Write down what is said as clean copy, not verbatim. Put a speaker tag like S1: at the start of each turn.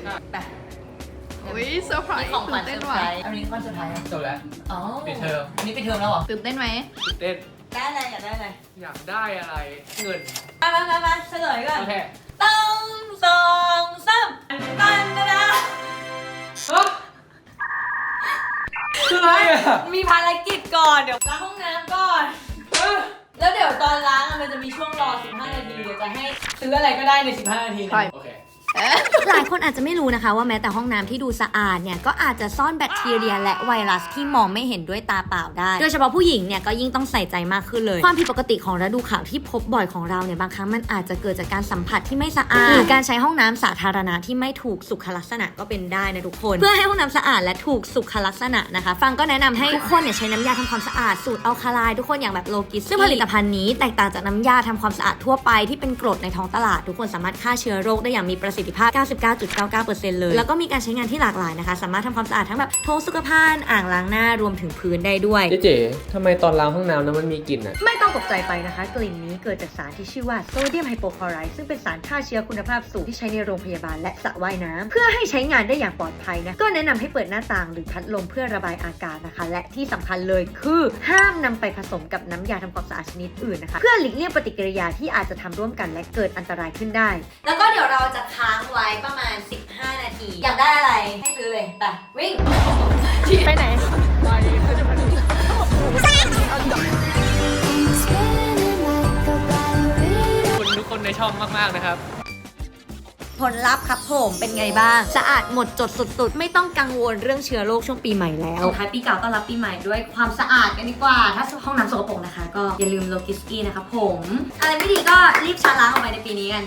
S1: ไป
S2: อุ้ยเซอร์ไพร
S1: นี่
S2: ส์
S1: ของขวั
S2: ตื่
S1: ญ
S2: น
S1: เซ
S2: เต้
S1: อน ร์ไพ
S2: ว่ะ
S1: รส์อันนี้วันสุดท้าย
S3: จบแล้ว
S1: อ๋อ
S3: ปิดเทอม
S1: อันนี้ปิดเทอมแล้วเหรอ
S2: ตื่นเต้นไหม
S3: ตื่นเต้น
S1: ได้อะไรอยากได้อะไร
S3: อยากได้อะไรเงิน
S1: มาเฉลยก่อน
S3: โอเค
S1: ตั้งสองสามตันนะ
S3: ฮะคืออะไรอ่ะ
S1: มีภารกิจก่อนเดี๋ยวล้างห้องน้ำก่อน แล้วเดี๋ยวตอนล้างมันจะมีช่วงรอ 15 นาที เดี๋ยวจะให้ซื้ออะไรก็ได้ใน 15 นาทีนะ
S3: โอเค
S4: หลายคนอาจจะไม่รู้นะคะว่าแม้แต่ห้องน้ำที่ดูสะอาดเนี่ยก็อาจจะซ่อนแบคทีเรียและไวรัสที่มองไม่เห็นด้วยตาเปล่าได้ โดยเฉพาะผู้หญิงเนี่ยก็ยิ่งต้องใส่ใจมากขึ้นเลย ความผิดปกติของฤดูขาวที่พบบ่อยของเราเนี่ยบางครั้งมันอาจจะเกิดจากการสัมผัสที่ไม่สะอาดหรือการใช้ห้องน้ำสาธารณะที่ไม่ถูกสุขลักษณะก็เป็นได้นะทุกคน เพื่อให้ห้องน้ำสะอาดและถูกสุขลักษณะนะคะฟังก็แนะนำให้ทุกคนเนี่ยใช้น้ำยาทำความสะอาดสูตรอัลคาไลน์ทุกคนอย่างแบบโลกิสซึ่งผลิตภัณฑ์นี้แตกต่างจากน้ำยาทำความสะอาดทั่วไปที่เป็นกรดในท้องตลาดทุกคนสามารถฆ่าเชื้อโรคได้อย่างมีประสิทธิภาพ 99.99% เลยแล้วก็มีการใช้งานที่หลากหลายนะคะสามารถทำความสะอาดทั้งแบบโถสุขภัณฑ์อ่างล้างหน้ารวมถึงพื้นได้ด้วย
S3: เจ๊ทำไมตอนล้างห้องน้ำแล้วมันมีกลิ่นอ่ะ
S4: ไม่ต้องตกใจไปนะคะ กลิ่นนี้เกิดจากสารที่ชื่อว่าโซเดียมไฮโปคลอไรด์ซึ่งเป็นสารฆ่าเชื้อคุณภาพสูงที่ใช้ในโรงพยาบาลและสระว่ายน้ำเพื่อให้ใช้งานได้อย่างปลอดภัยนะก็แนะนำให้เปิดหน้าต่างหรือพัดลมเพื่อระบายอากาศนะคะและที่สำคัญเลยคือห้ามนำไปผสมกับน้ำยาทำความสะอาดชนิดอื่นนะคะเพื่อหลีกเลี่ยงปฏิกิริยาที่อาจจะทำร่วมกันและเกิดอันตรายขึ้นได้
S1: แล้วก็เดี๋ยวเราจะค้างไว้ประมาณ 15 นาที อยากได้อะไร ให้ซื้อเลย ไป วิ่ง
S2: ไปไหน
S3: คุณทุกคนในช่องมากๆนะครับ
S4: ผลลัพธ์ครับผมเป็นไงบ้าง สะอาดหมดจดสุดๆ ไม่ต้องกังวลเรื่องเชื้อโรคช่วงปีใหม่แล้วส่งท้ายปีเก่าต้อนรับปีใหม่ด้วยความสะอาดกันดีกว่า ถ้าห้องน้ำสกปรกนะคะ ก็อย่าลืมโลกิสกี้นะครับผม อะไรไม่ดีก็รีบชาล้างออกไปในปีนี้กัน